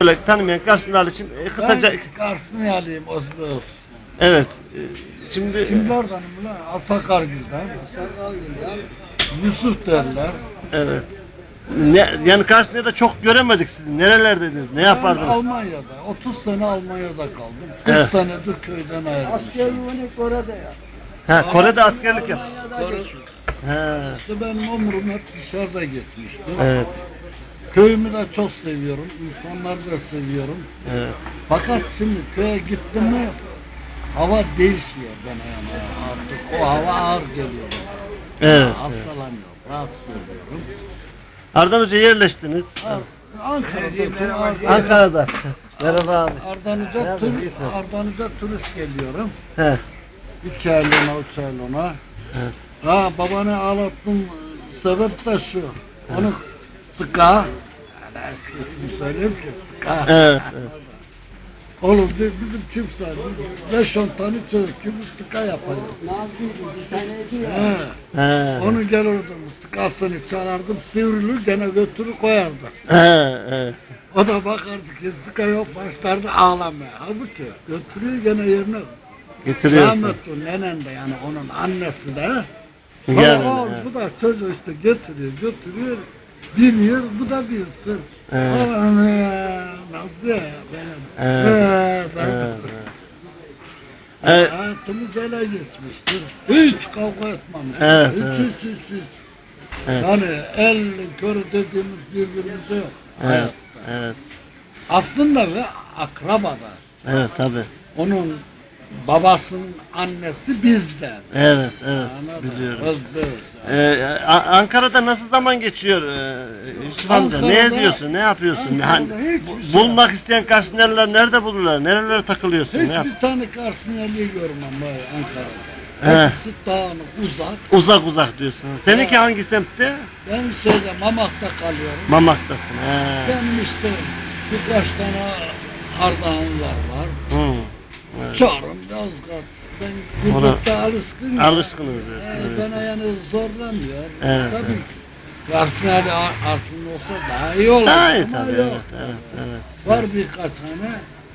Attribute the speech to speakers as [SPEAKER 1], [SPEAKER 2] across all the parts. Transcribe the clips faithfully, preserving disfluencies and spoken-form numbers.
[SPEAKER 1] Böyle tanımayan Karslılar için e, kısaca...
[SPEAKER 2] Ben Kars'ını alayım Osman.
[SPEAKER 1] Evet. e, Şimdi...
[SPEAKER 2] Kimlerdenim lan? Asakargil'den. Asakargil'den. Yusuf derler.
[SPEAKER 1] Evet. Ne, yani Kars'ta da çok göremedik sizi. Nerelerdeydiniz? Ne
[SPEAKER 2] Ben
[SPEAKER 1] yapardınız?
[SPEAKER 2] Almanya'da. otuz sene Almanya'da kaldım. kırk
[SPEAKER 1] Evet.
[SPEAKER 2] senedir köyden ayrılmışım.
[SPEAKER 3] Askerliğini Kore'de ya.
[SPEAKER 1] Ha, Kore'de askerlik yap.
[SPEAKER 2] Kore-
[SPEAKER 1] Ha.
[SPEAKER 2] İşte benim ömrüm hep dışarıda geçmişti.
[SPEAKER 1] Evet.
[SPEAKER 2] Köyümü de çok seviyorum. İnsanları da seviyorum.
[SPEAKER 1] Evet.
[SPEAKER 2] Fakat şimdi köye gittim mi hava değişiyor bana yani. Artık o hava ağır geliyor bana.
[SPEAKER 1] Evet.
[SPEAKER 2] Hastalanıyorum. Rahatsız oluyorum.
[SPEAKER 1] Ardan Hoca yerleştiniz.
[SPEAKER 2] Ar- Ankara'da.
[SPEAKER 1] Ankara'da. Merhaba abi.
[SPEAKER 2] Ardanıza
[SPEAKER 1] Nerede?
[SPEAKER 2] tur,
[SPEAKER 1] İyisiniz.
[SPEAKER 2] Ardanıza turist geliyorum.
[SPEAKER 1] He.
[SPEAKER 2] İki aylığına, üç aylığına.
[SPEAKER 1] He.
[SPEAKER 2] Ha babanı ağlattım. Sebep de şu. Onu sıka. Yani eskisini söyleyeyim ki sıka.
[SPEAKER 1] Evet. Evet.
[SPEAKER 2] Oğlum de bizim kimse biz beş on tane çocuk gibi sıka yapacağız.
[SPEAKER 3] Nazgül'dü bir taneydi ya.
[SPEAKER 2] He.
[SPEAKER 1] He.
[SPEAKER 2] Onu gelirdim sıkasını çalardım sivrilir gene götürür koyardı.
[SPEAKER 1] He. He.
[SPEAKER 2] O da bakardı ki sıka yok başlardı ağlamaya. Halbuki götürüyor gene yerine.
[SPEAKER 1] Getiriyorsun.
[SPEAKER 2] Rahmetli nenen de yani onun annesi de.
[SPEAKER 1] Yani,
[SPEAKER 2] o,
[SPEAKER 1] he.
[SPEAKER 2] bu da çocuğu işte götürüyor götürüyor. Biliyor bu da bilsin.
[SPEAKER 1] He.
[SPEAKER 2] Allah'ım ya Nazlı ya benim.
[SPEAKER 1] He.
[SPEAKER 2] He, ben-
[SPEAKER 1] Evet. Evet.
[SPEAKER 2] Hayatımız öyle geçmiştir. Hiç kavga etmemişiz.
[SPEAKER 1] Evet,
[SPEAKER 2] hiç,
[SPEAKER 1] evet.
[SPEAKER 2] hiç hiç hiç.
[SPEAKER 1] Evet.
[SPEAKER 2] Yani el körü dediğimiz birbirimize yok.
[SPEAKER 1] Evet.
[SPEAKER 2] hayatta.
[SPEAKER 1] Evet.
[SPEAKER 2] Aslında ve akrabada.
[SPEAKER 1] Evet tabii.
[SPEAKER 2] Onun babasının annesi bizden.
[SPEAKER 1] Evet, evet
[SPEAKER 2] Anladın?
[SPEAKER 1] biliyorum.
[SPEAKER 2] Biz biz.
[SPEAKER 1] Ee, A- Ankara'da nasıl zaman geçiyor ee, Yusuf amca? Ne
[SPEAKER 2] Ankara'da-
[SPEAKER 1] ediyorsun? Ne yapıyorsun?
[SPEAKER 2] Ankara'da
[SPEAKER 1] Hani,
[SPEAKER 2] hiçbir
[SPEAKER 1] bu-
[SPEAKER 2] şey
[SPEAKER 1] bulmak isteyen Karslılar nerede bulurlar? Nerelere takılıyorsun?
[SPEAKER 2] Hiç
[SPEAKER 1] Ne yap?
[SPEAKER 2] bir tane Karsniyeli'yi görmem var
[SPEAKER 1] He.
[SPEAKER 2] Ankara'da. Hepsi dağınık, uzak.
[SPEAKER 1] Uzak uzak diyorsun. Seninki
[SPEAKER 2] He.
[SPEAKER 1] hangi semtte?
[SPEAKER 2] Ben şeyde Mamak'ta kalıyorum.
[SPEAKER 1] Mamak'tasın. He.
[SPEAKER 2] Benim işte birkaç tane Ardahanlılar var.
[SPEAKER 1] Hı. Evet.
[SPEAKER 2] Çorum, Yozgat. Ben
[SPEAKER 1] Ona-
[SPEAKER 2] gurbette alışkın.
[SPEAKER 1] Alışkınız
[SPEAKER 2] Ee,
[SPEAKER 1] diyorsun.
[SPEAKER 2] bana
[SPEAKER 1] öyleyse.
[SPEAKER 2] yani zorlamıyor.
[SPEAKER 1] Evet,
[SPEAKER 2] Tabii
[SPEAKER 1] evet.
[SPEAKER 2] ki. Karsniyeli altında olsa daha iyi olur.
[SPEAKER 1] Daha iyi
[SPEAKER 2] ama
[SPEAKER 1] tabii.
[SPEAKER 2] yok.
[SPEAKER 1] Evet, evet, evet.
[SPEAKER 2] Var birkaç tane.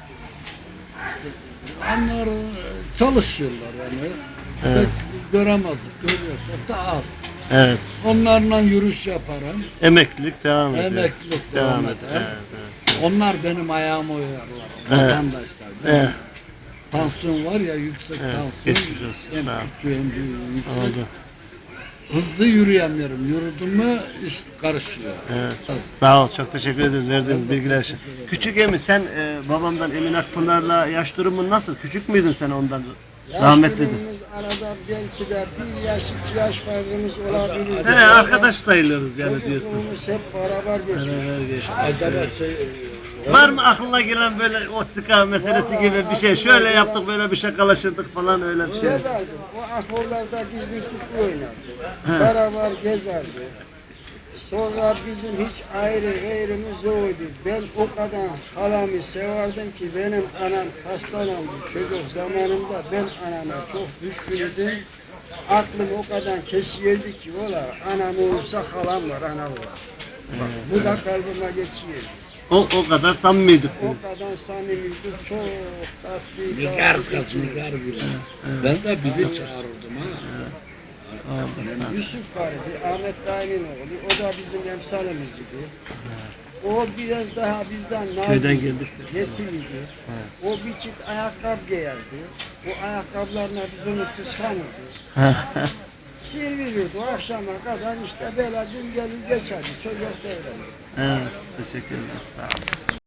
[SPEAKER 2] Onlar e, çalışıyorlar yani.
[SPEAKER 1] Evet.
[SPEAKER 2] Pek göremezdik, görüyorsak da az.
[SPEAKER 1] Evet.
[SPEAKER 2] Onlarla yürüyüş yaparım.
[SPEAKER 1] Emeklilik devam ediyor.
[SPEAKER 2] Emeklilik
[SPEAKER 1] devam
[SPEAKER 2] devam
[SPEAKER 1] ediyor.
[SPEAKER 2] eder.
[SPEAKER 1] Evet, evet.
[SPEAKER 2] Onlar benim ayağımı oyarlar.
[SPEAKER 1] Evet.
[SPEAKER 2] Vatandaşlar.
[SPEAKER 1] Evet.
[SPEAKER 2] Tansiyon var ya yüksek
[SPEAKER 1] Evet,
[SPEAKER 2] tansiyon.
[SPEAKER 1] geçmiş olsun,
[SPEAKER 2] En
[SPEAKER 1] sağ ol.
[SPEAKER 2] küçüğü, en büyüğü yüksek.
[SPEAKER 1] Oldu.
[SPEAKER 2] Hızlı yürüyemiyorum. Yürüdüm mü iş karışıyor.
[SPEAKER 1] Evet. Sağ ol. Çok teşekkür ederiz verdiğiniz bilgiler için. Küçük Emi sen e, babamdan Emin Akpınar'la yaş durumun nasıl? Küçük müydün sen ondan? Rahmetliydin.
[SPEAKER 3] Yaş arada belki de bir yaş, iki yaş farkımız olabilir.
[SPEAKER 1] He, arkadaş sayılırız yani diyorsun.
[SPEAKER 3] Çocukluğumuz hep beraber geçmiş.
[SPEAKER 1] Beraber geçti.
[SPEAKER 2] Acaba şey
[SPEAKER 1] Var mı aklına gelen böyle o sıka meselesi gibi bir şey? Şöyle yaptık, böyle bir şakalaşırdık falan öyle bir şey.
[SPEAKER 3] Öyle derdi. O akorlarda bizlik futbol oynardı.
[SPEAKER 1] He.
[SPEAKER 3] Beraber gezerdi. Sonra bizim hiç ayrı gayrımız yoktu. Ben o kadar halamı severdim ki benim anam hastalandı. Çocuk zamanımda ben anama çok düşkündüm. Aklım o kadar kesiyordu ki ola anam olursa halam var, anam var. Bak, bu da kalbime geçiyor.
[SPEAKER 1] O o kadar samimiydik
[SPEAKER 3] O
[SPEAKER 1] biz.
[SPEAKER 3] kadar samimiydik, çok tatlı.
[SPEAKER 2] Nigar
[SPEAKER 3] tatlı
[SPEAKER 2] kız,
[SPEAKER 3] geçiyor.
[SPEAKER 2] nigar gibi. Ben de bizi çağırırdım ha.
[SPEAKER 1] Oldu.
[SPEAKER 3] Yusuf vardı, Ahmet Dayı'nın oğlu, o da bizim emsalimiz idi. O biraz daha bizden nazlı,
[SPEAKER 1] Köyden geldik.
[SPEAKER 3] yetimiydi. O bir çift ayakkabı giyerdi. O ayakkabılarına biz onu kıskanırdı. Sivrilirdi o akşama kadar işte böyle gün gelir geçerdi, çocuk devrenirdi.
[SPEAKER 1] Evet, teşekkür ederiz. Sağ olun.